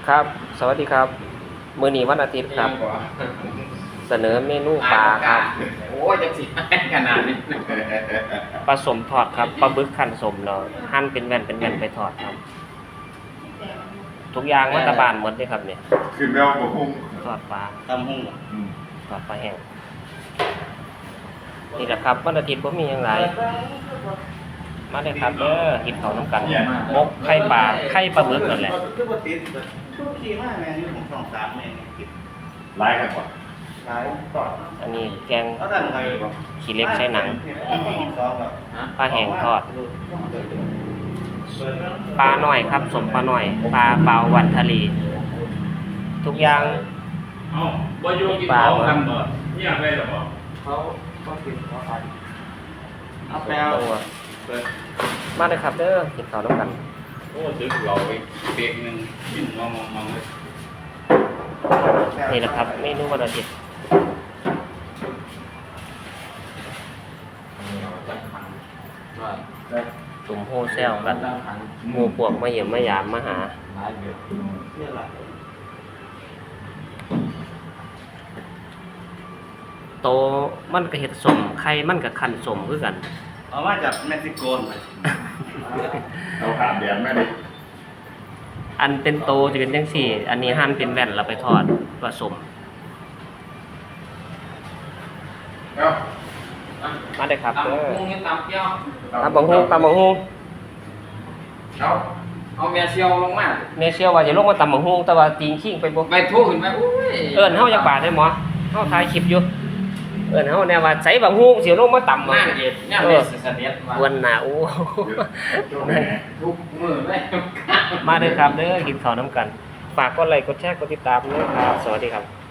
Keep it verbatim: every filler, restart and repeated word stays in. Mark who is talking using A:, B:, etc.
A: ครับ สวัสดีครับ มื้อนี้วันอาทิตย์ครับ เสนอเมนูปลาครับ
B: โอ้ยจะสิให้ขนาดนี้
A: ปลาสมทอดครับ ปลาบึกคั่นสมเนาะหั่นเป็นแว่นเป็นแว่นไปทอดครับ ทุกอย่างวัตบานหมดเลยครับเนี่ย
C: ขึ้นแมวบกหุ้ง
A: ทอดปลา
B: ตำหุ่ง
C: อืม
A: ทอดปลาแห้ง นี่แหละครับวันอาทิตย์บ่มีหยังหลาย มาเลยครับเด้อกินข้าวน้ำกันมกไข่ปลาไข่ปลาบึกนั่นแหละ
B: คือบ่ติดทุกทีมากแม่นี่ผมสองสามแม่นี่กิน
C: ไล่กันก่อน
B: หลายต่อ
A: อันนี้แกง
B: เขาตั้งไว้บ่
A: ขี้เหล็กใช้หนัง
B: สองแบบ
A: ปลาแห้งทอด ปลาหน่อยครับสมปลาหน่อย ปลาเปล่าวันทะเล ทุกอย่าง
D: เอ้าบ่อยู่กินของกันบ่เงียบเลยเหรอบ่
B: เขาก็กินเขาไปเอาแปล
A: ตัวมาเลยครับเด้อกินข้าวน้ำกัน
D: โอ้ดึกเราไปเบรกหนึงกินมองมองเลย
A: นี่แหละครับเมนูวันอาทิตย์ตุ่มโฮเซลกันหมู่พวกมาเยี่ยมมายามมาหา
B: เนี่ยแหละ
A: โตมันก็เฮ็ดสมไข่มันก็คั่นสมคือกัน
B: เอามาจากเม็กซิโกนไป
C: เราขามแดนแม่ดิ
A: อันเป็นโตจะเป็นจังซี่ อันนี้หั่นเป็นแว่นแล้วไปทอดผสม
C: เอ้า
A: มาได้ครับเด้อ
B: ตำหุ่งนี่ตำเปรี้ยว
A: ตำบักฮู้ตำบักฮู้
C: เอ้า
B: เอาเมียเซียวลงมา
A: แม่เชื่อว่าจะลงมาตำบักฮู้แต่ว่าตีนขิงไปบ่
B: ไปทุกขึ้นไปอุ้ย
A: เอิ้นเฮาจักบาทได้หมอเฮาถ่ายคลิปอยู่เอิ้นเฮาแน่ว่าใส่บักฮู้สิลงมาตำ
B: นั่งเอ็ดเนี่ยเด็ดเสด็จมา
A: วันหน้าโอ้
B: ทุกมือเลย
A: มาเด้อครับเด้อกินข้าวน้ำกัน ฝากกดไลค์กดแชร์กดติดตามด้วยครับ สวัสดีครับ